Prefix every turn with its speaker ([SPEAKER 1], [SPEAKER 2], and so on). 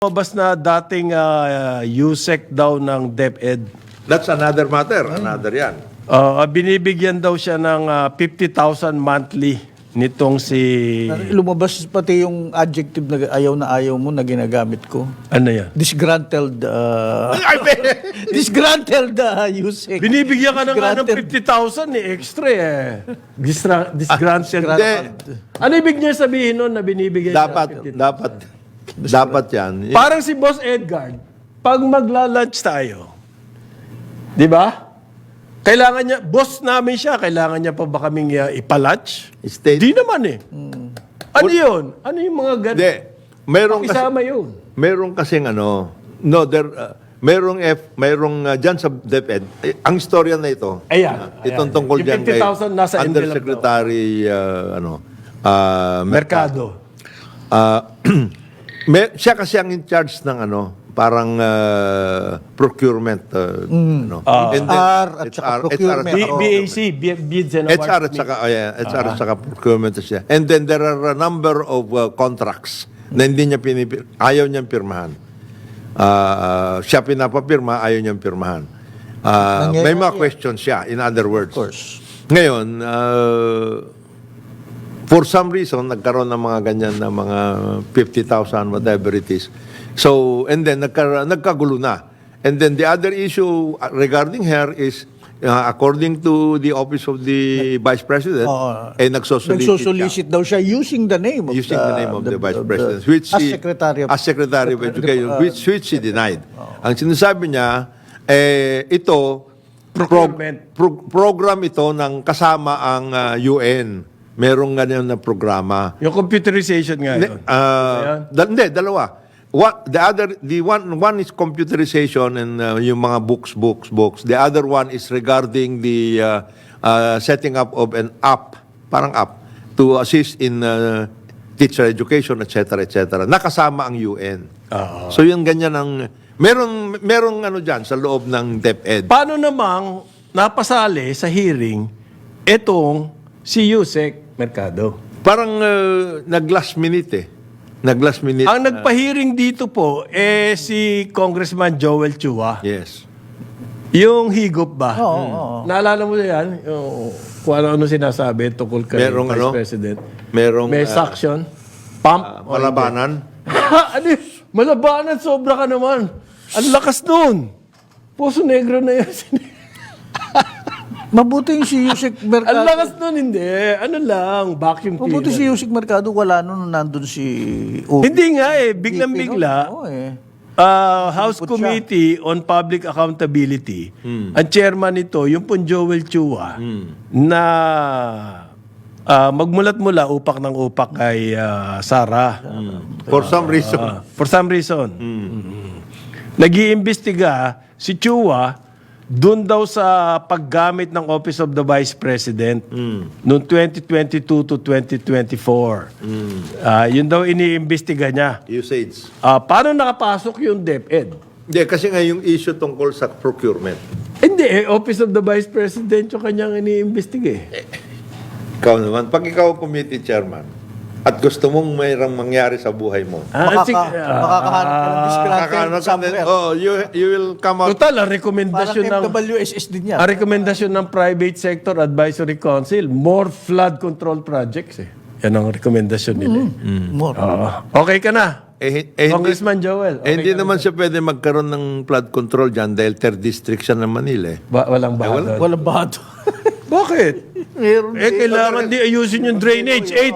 [SPEAKER 1] Lumabas na dating USEC daw ng DepEd.
[SPEAKER 2] That's another matter. Another yan.
[SPEAKER 1] Binibigyan daw siya ng 50,000 monthly nitong si...
[SPEAKER 3] Lumabas pati yung adjective na ayaw mo na ginagamit ko.
[SPEAKER 1] Ano yan?
[SPEAKER 3] Disgruntled. Disgruntled usage.
[SPEAKER 1] Binibigyan ka na nga ng 50,000 extra eh. Disgranted. Ano ibig niya sabihin nun na binibigyan
[SPEAKER 2] Dapat yan.
[SPEAKER 1] Parang si Boss Edgar, pag magla-lunch tayo, di ba? Kailangan niya, boss namin siya, kailangan niya pa ba kaming ipalunch? Di naman eh. Ano yun? Ano yung mga ganun?
[SPEAKER 2] Hindi.
[SPEAKER 1] Isama yun.
[SPEAKER 2] Meron kasing merong dyan sa DepEd, ang istorya na ito,
[SPEAKER 1] Ayan.
[SPEAKER 2] itong tungkol
[SPEAKER 1] Yung
[SPEAKER 2] dyan kay
[SPEAKER 1] 50,000 nasa envelope
[SPEAKER 2] Undersecretary
[SPEAKER 1] Mercado.
[SPEAKER 2] Siya kasi ang in charge ng parang procurement. And then,
[SPEAKER 3] HR at saka procurement.
[SPEAKER 1] BAC, Bids and Awards.
[SPEAKER 2] HR at saka procurement siya. And then there are a number of contracts na hindi niya ayaw niyang pirmahan. Siya pinapapirma, ayaw niyang pirmahan. May mga questions siya, in other words.
[SPEAKER 3] Of course.
[SPEAKER 2] Ngayon, for some reason, nagkaroon ng mga ganyan na mga 50,000, whatever it is. So, and then nagkagulo na. And then the other issue regarding her is, according to the Office of the Vice President,
[SPEAKER 3] nagsosolicit daw siya using the name of
[SPEAKER 2] the Vice President, which
[SPEAKER 3] as Secretary
[SPEAKER 2] of Education, which she denied. Ang sinasabi niya, ito, program ito ng kasama ang UN. Merong ganyan na programa.
[SPEAKER 1] Yung computerization nga yun.
[SPEAKER 2] Hindi, dalawa. One is computerization and yung mga books. The other one is regarding the setting up of an app, parang app, to assist in teacher education, etc., etc. Nakasama ang UN. So yung ganyan ang merong dyan sa loob ng DepEd.
[SPEAKER 1] Paano namang napasali sa hearing itong si USEC Mercado?
[SPEAKER 2] Parang nag-last minute. Nag-last minute.
[SPEAKER 1] Ang nagpa-hearing dito po si Congressman Joel Chua.
[SPEAKER 2] Yes.
[SPEAKER 1] Yung higop ba?
[SPEAKER 3] Oo.
[SPEAKER 1] Naalala mo yan? Yung, kung ano sinasabi tungkol kay Vice President. May suction. Pump.
[SPEAKER 2] Malabanan.
[SPEAKER 1] Ano yun? Malabanan, sobra ka naman. Ang lakas nun. Puso Negro na yun.
[SPEAKER 3] Mabuti yung si Yusek Mercado.
[SPEAKER 1] Ang lakas nun, hindi. Ano lang, vacuum cleaner.
[SPEAKER 3] Mabuti si Yusek Mercado, wala nun nandun si...
[SPEAKER 1] Hindi nga biglang-bigla.
[SPEAKER 3] Oo
[SPEAKER 1] House Committee on Public Accountability. Ang chairman nito, yung pong Joel Chua, na magmulat-mula upak ng upak kay Sara.
[SPEAKER 2] For some reason.
[SPEAKER 1] For some reason. Nag-iimbestiga si Chua doon daw sa paggamit ng Office of the Vice President noong 2022 to 2024. Yun daw iniimbestiga niya.
[SPEAKER 2] Usage.
[SPEAKER 1] Paano nakapasok yung DepEd?
[SPEAKER 2] Hindi, kasi nga yung issue tungkol sa procurement.
[SPEAKER 1] Hindi, Office of the Vice President yung kanyang iniimbestiga eh.
[SPEAKER 2] Ikaw naman, pag ikaw committee chairman, at gusto mong mayroong mangyari sa buhay mo,
[SPEAKER 3] makakahanap ka ng disgruntled somewhere.
[SPEAKER 2] you will come out.
[SPEAKER 1] Total, ang rekomendasyon ng...
[SPEAKER 3] Parang MWSS din yan.
[SPEAKER 1] Ang rekomendasyon ng Private Sector Advisory Council, more flood control projects eh. Yan ang rekomendasyon nila.
[SPEAKER 3] More.
[SPEAKER 1] Okay ka na? Congressman Joel.
[SPEAKER 2] Hindi naman siya pwede magkaroon ng flood control dyan dahil third district siya ng Manila.
[SPEAKER 1] Walang baha doon.
[SPEAKER 3] Walang bato.
[SPEAKER 1] Bakit?
[SPEAKER 3] Meron
[SPEAKER 1] kailangan di ayusin yung drainage.